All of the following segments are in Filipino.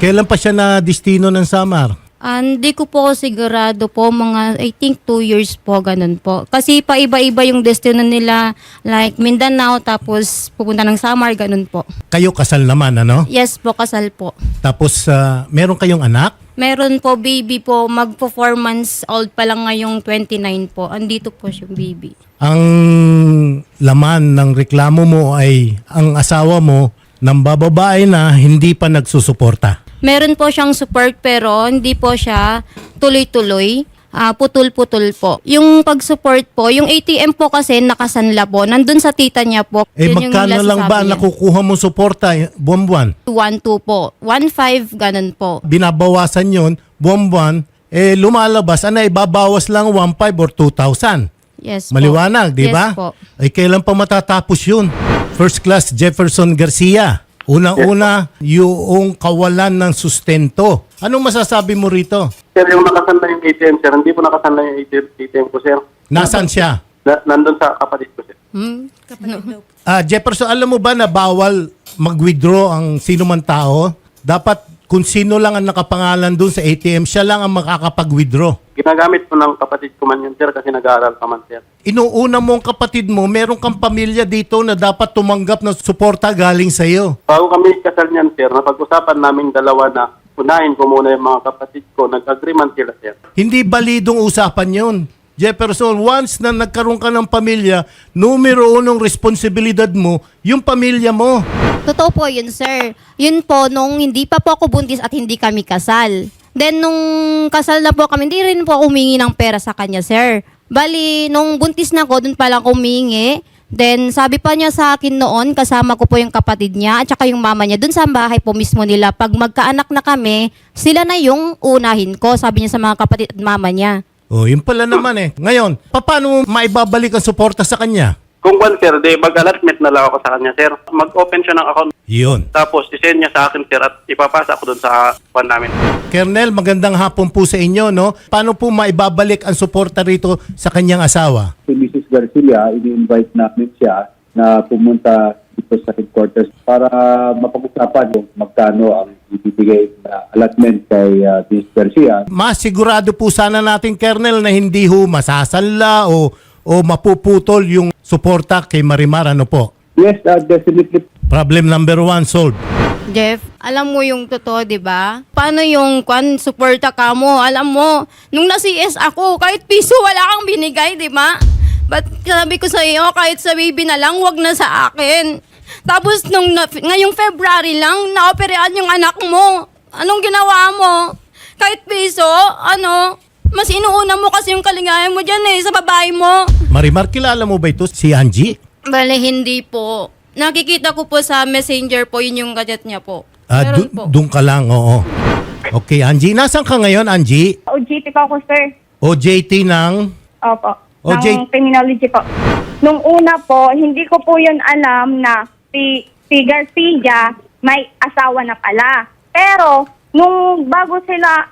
Kailan pa siya na destino ng Samar? Hindi ko po sigurado po, mga I think 2 years po, ganun po. Kasi paiba-iba yung destino nila, like Mindanao, tapos pupunta ng Samar, ganun po. Kayo kasal naman, ano? Yes po, kasal po. Tapos meron kayong anak? Meron po, baby po, magpo 4 months old pa lang ngayong 29 po. Andito po yung baby. Ang laman ng reklamo mo ay ang asawa mo nang bababae na hindi pa nagsusuporta. Meron po siyang support pero hindi po siya tuloy-tuloy. Putol-putol po. Yung pag-support po, yung ATM po kasi nakasanla po. Nandun sa tita niya po. Yun yung Magkano lang ba nasasabi niya. nakukuha mo suporta buwan-buwan? 1-2 po. 1-5, ganun po. Binabawasan yon buwan-buwan, lumalabas, ibabawas lang 1,500 or 2,000. Yes po. Maliwanag, di ba? Yes po. Kailan pa matatapos yun? First class Jefferson Garcia. Unang-una, yung kawalan ng sustento. Anong masasabi mo rito? Sir, yung nakasanla yung ATM, sir, hindi po nakasanla yung ATM ko, sir. Nasaan siya? Nandun sa kapatid ko, sir. Jefferson, alam mo ba na bawal mag-withdraw ang sino man tao? Dapat kung sino lang ang nakapangalan dun sa ATM, siya lang ang makakapag-withdraw. Ginagamit po ng kapatid ko man yun, sir, kasi nag-aaral pa man, sir. Inuuna mo ang kapatid mo, meron kang pamilya dito na dapat tumanggap ng suporta galing sa iyo. Bago kami kasal niyan, sir, napag-usapan namin dalawa na unahin ko muna yung mga kapatid ko. Nag-agreement sila, sir. Hindi balidong usapan yun. Jefferson, once na nagkaroon ka ng pamilya, numero unong responsibilidad mo, yung pamilya mo. Totoo po yun, sir. Yun po, nung hindi pa po ako buntis at hindi kami kasal. Then, nung kasal na po kami, hindi rin po ako humingi ng pera sa kanya, sir. Bali, nung buntis na ako, dun pa lang ako humingi. Then, sabi pa niya sa akin noon, kasama ko po yung kapatid niya at saka yung mama niya, dun sa bahay po mismo nila. Pag magkaanak na kami, sila na yung unahin ko, sabi niya sa mga kapatid at mama niya. Oh, yun pala naman Ngayon, paano mo maibabalik ang suporta sa kanya? Kung kwan, sir, mag-allotment na lang ako sa kanya, sir. Mag-open siya ng account. Yun. Tapos, isend niya sa akin, sir, at ipapasa ko dun sa kwan namin. Colonel, magandang hapon po sa inyo, no? Paano po maibabalik ang suporta rito sa kanyang asawa? Si Mrs. Garcia, ini-invite namin siya na pumunta dito sa headquarters para mapag-usapan kung magkano ang ibibigay na allotment kay Mrs. Garcia. Mas sigurado po sana natin, Colonel, na hindi ho masasanla o mapuputol yung suporta kay Marimar, ano po? Yes, definitely. Problem number 1 solved. Jeff, alam mo yung totoo, di ba? Paano yung suporta ka mo? Alam mo, nung na-CS ako, kahit piso wala kang binigay, di ba? But sabi ko sa iyo, kahit sa baby na lang, wag na sa akin. Tapos ngayong February lang, naoperaan yung anak mo. Anong ginawa mo? Kahit piso, mas inuuna mo kasi yung kaligayahan mo dyan sa babae mo. Marimar, kilala mo ba ito si Angie? Bale, hindi po. Nakikita ko po sa messenger po, yun yung gadget niya po. Meron po. Doon ka lang, oo. Okay, Angie. Nasaan ka ngayon, Angie? OJT po ako, sir. OJT ng... Opo. OJ. Ng criminology po. Nung una po, hindi ko po yun alam na si Garcia may asawa na pala. Pero, nung bago sila,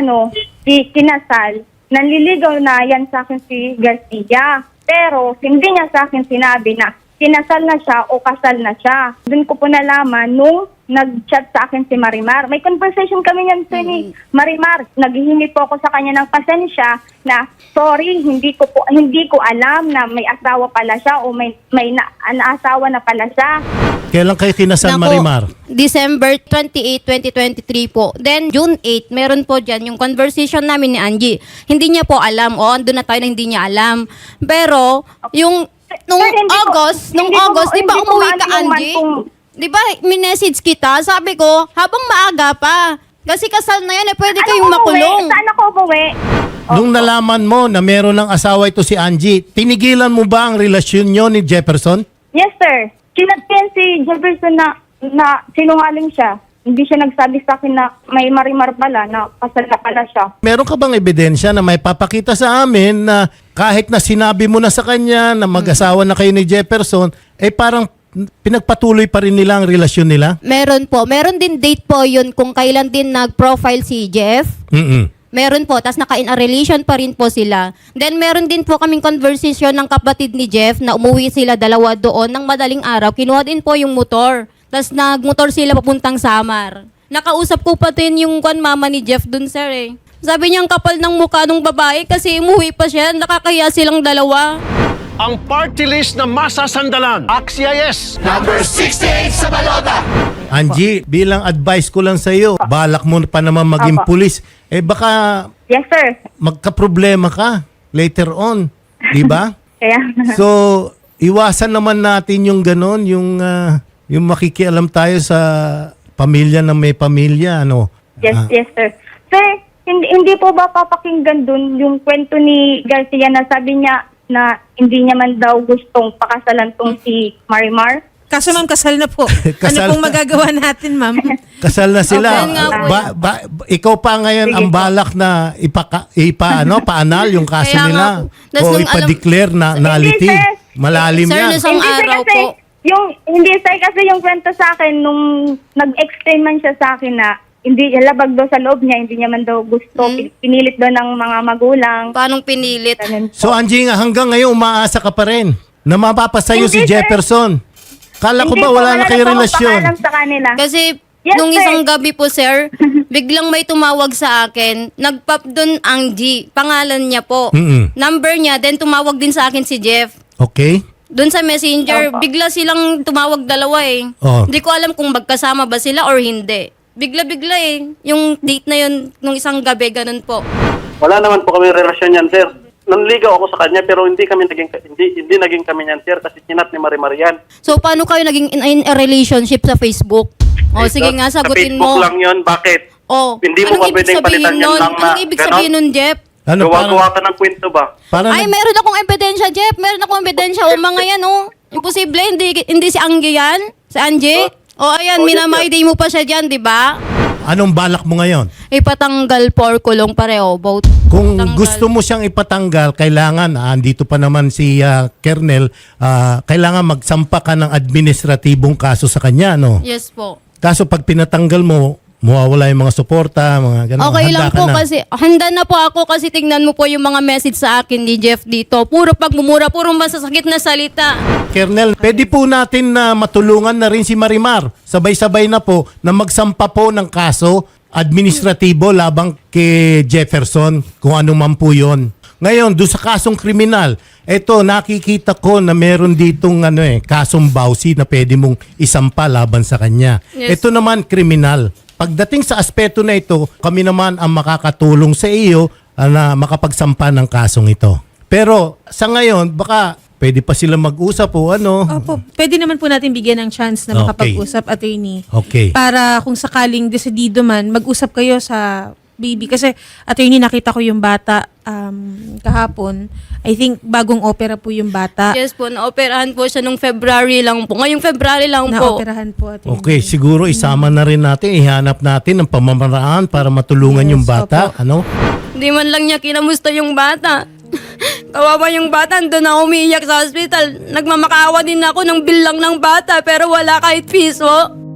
kinasal, nanliligaw na yan sa akin si Garcia. Pero, hindi niya sa akin sinabi na kinasal na siya o kasal na siya. Doon ko po nalaman nung nag-chat sa akin si Marimar. May conversation kami yan sa ni Marimar. Naghihingi po ako sa kanya ng pasensya na sorry, hindi ko alam na may asawa pala siya o may asawa na pala siya. Kailan kayo kinasal, Naku, Marimar? December 28, 2023 po. Then, June 8, meron po dyan yung conversation namin ni Angie. Hindi niya po alam. Andun na tayo na hindi niya alam. Pero, nung August, di ba umuwi ka, Angie? Di ba, minessage kita, sabi ko, habang maaga pa. Kasi kasal na yan, pwede kayong makulong. Saan ako umuwi? Nung nalaman mo na meron ng asawa ito si Angie, tinigilan mo ba ang relasyon nyo ni Jefferson? Yes, sir. Kinatyan si Jefferson na sinungaling siya. Hindi siya nagsabi sa akin na may Marimar pala, na kasal na pala siya. Meron ka bang ebidensya na may papakita sa amin na kahit na sinabi mo na sa kanya na mag-asawa na kayo ni Jefferson, parang pinagpatuloy pa rin nila ang relasyon nila? Meron po. Meron din date po yun kung kailan din nag-profile si Jeff. Meron po. Tapos naka-in a relation pa rin po sila. Then meron din po kaming conversation ng kapatid ni Jeff na umuwi sila dalawa doon ng madaling araw. Kinuha din po yung motor. Tapos nagmotor sila papuntang Samar. Nakausap ko pa din yung mama ni Jeff dun, sir eh. Sabi niya ang kapal ng mukha ng babae kasi umuwi pa siya, nakakahiya silang dalawa. Ang party list na masasandalan. AXIS! Angie, bilang advice ko lang sa iyo, balak mo pa naman maging Apo. pulis. Baka Yes, sir. magka-problema ka later on, 'di ba? Kaya, So, iwasan naman natin yung ganon, yung makikialam tayo sa pamilya na may pamilya, ano. yes, yes, sir. Sir, hindi po ba papakinggan dun yung kwento ni Garcia na sabi niya na hindi niya man daw gustong pakasalan tong si Marimar? Kaso ma'am, kasal na po. Kasal ano pong na. magagawa natin, ma'am? Kasal na sila. Okay nga po. Ikaw pa ngayon Sige ang po. balak na paanal yung kaso Kaya nga nila. po. Tas O nung ipa-declare na nullity. Hindi, sir. Malalim Sir, yan. Isang Hindi, sir, araw kasi po. Hindi, sir, kasi yung kwento sa akin nung nag-explain man siya sa akin na hindi labag daw sa loob niya, hindi niya man daw gusto, pinilit daw ng mga magulang. Paanong pinilit? Ganun po. So Angie, nga hanggang ngayon umaasa ka pa rin na mapapasayo si Hindi, sir. Jefferson. Kala ko Hindi ba po, wala na kayo po akong relasyon? pakaalam sa kanila. Kasi Yes, nung sir. isang gabi po, sir, biglang may tumawag sa akin. Nagpap doon ang G. Pangalan niya po. Mm-mm. Number niya, then tumawag din sa akin si Jeff. Okay? Doon sa messenger, bigla silang tumawag dalawa eh. Oh. Hindi ko alam kung magkasama ba sila or hindi. Bigla-bigla eh. Yung date na yun, nung isang gabi, ganun po. Wala naman po kami relasyon yan, sir. Nanligaw ako sa kanya pero hindi naging kami niyan, sir, kasi sinat ni Marimar yan. So, paano kayo naging in a relationship sa Facebook? O, sige nga, sagutin Sa Facebook mo. lang yun, bakit? O, Hindi mo ba pwedeng palitan yan lang na Anong ibig ganon? sabihin nun, Jeff? Ano Gawa-gawa ka ng kwento ba? Para Ay, meron akong ebidensya, Jeff. Meron akong ebidensya. O, mga yan, o. Imposible. Hindi si Angie yan. Si Angie. O, ayan, Oh, yes, minamay-day mo pa siya dyan, di ba? anong balak mo ngayon? Ipatanggal po or kulong pareho. Both. Kung Tanggal. gusto mo siyang ipatanggal, kailangan, andito pa naman si Kernel, kailangan magsampa ka ng administratibong kaso sa kanya, no? Yes po. Kaso pag pinatanggal mo, mawawala yung mga suporta, mga ganun. Okay Handa lang ka po na. kasi handa na po ako kasi tingnan mo po yung mga message sa akin ni Jeff dito. Puro pagmumura, puro masasakit na salita. Kernel, pwede po natin na matulungan na rin si Marimar. Sabay-sabay na po na magsampa po ng kaso administratibo labang kay Jefferson, kung ano man po yun. Ngayon, doon sa kasong kriminal, eto nakikita ko na meron ditong kasong bawsi na pwede mong isampa laban sa kanya. Yes. Ito naman kriminal. Pagdating sa aspeto na ito, kami naman ang makakatulong sa iyo na makapagsampa ng kasong ito. Pero sa ngayon, baka pwede pa sila mag-usap o ano. Opo, pwede naman po natin bigyan ng chance na Okay. makapag-usap, attorney. Okay. Para kung sakaling desidido man, mag-usap kayo sa baby. Kasi, attorney, nakita ko yung bata kahapon. I think bagong opera po yung bata. Yes po, naoperahan po siya nung February lang po. Ngayong February lang po. Naoperahan po, attorney. Okay, siguro isama na rin natin, ihanap natin ang pamamaraan para matulungan Yes, yung bata. opo. Ano? Hindi man lang niya kinamusta yung bata. Kawawa yung bata, doon ako umiiyak sa hospital. Nagmamakaawa din ako ng bill lang ng bata pero wala kahit piso.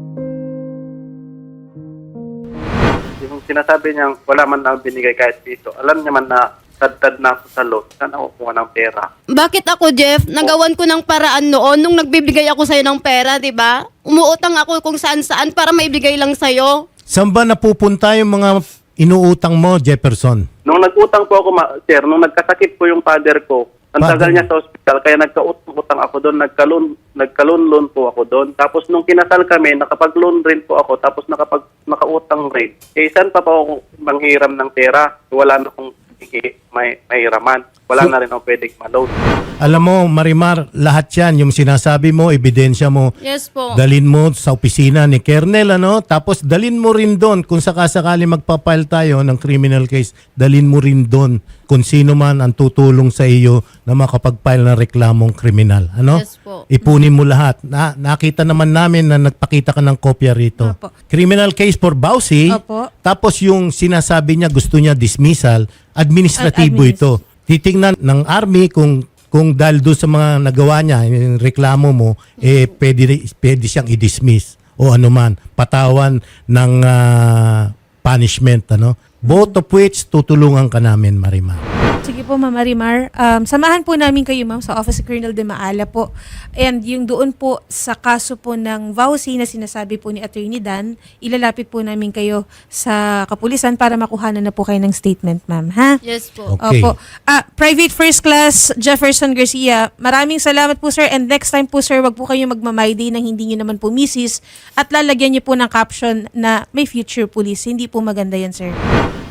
Yung sinasabi niya, wala man lang binigay kahit piso. Alam niya man na tad na ako sa loan. Saan ako kuha ng pera? Bakit ako, Jeff? Nagawan ko ng paraan noon nung nagbibigay ako sa'yo ng pera, di ba? Umuutang ako kung saan-saan para maibigay lang sa'yo. Saan ba napupunta yung mga inuutang mo, Jefferson? Nung nag-utang po ako, sir, nung nagkasakit po yung father ko, ang Father? tagal niya sa ospital, kaya nagka-utang ako doon, nagka-loan po ako doon. Tapos nung kinasal kami, nakapag-loan rin po ako, tapos nakautang rin. Eh, saan pa ako manghiram ng pera? Wala na akong mahiraman. Wala na rin ako pwedeng ma-loan. Alam mo, Marimar, lahat yan, yung sinasabi mo, ebidensya mo, Yes po. dalin mo sa opisina ni Kernel, tapos dalin mo rin doon, kung sakasakali magpapile tayo ng criminal case, dalin mo rin doon kung sino man ang tutulong sa iyo na makapag-file ng reklamong kriminal. Yes po. Ipunin mo lahat. Nakita naman namin na nagpakita ka ng kopya rito. Opo. Criminal case for Bausi, Opo. tapos yung sinasabi niya gusto niya dismissal, administratibo ito. Titingnan ng army kung dahil doon sa mga nagawa niya, yung reklamo mo, pwede siyang i-dismiss o anuman, patawan ng punishment. Both of which tutulungan ka namin, Marimar. Sige po, Ma'am Marimar. Samahan po namin kayo, ma'am, sa Office of Colonel de Maala po. And yung doon po sa kaso po ng vowsy na sinasabi po ni Attorney Dan, ilalapit po namin kayo sa kapulisan para makuhanan na po kayo ng statement, ma'am. Ha? Yes po. Okay. Opo. Private First Class Jefferson Garcia, maraming salamat po, sir. And next time po, sir, wag po kayo magmamayday ng hindi nyo naman po misis at lalagyan nyo po ng caption na may future police. Hindi po maganda yan, sir.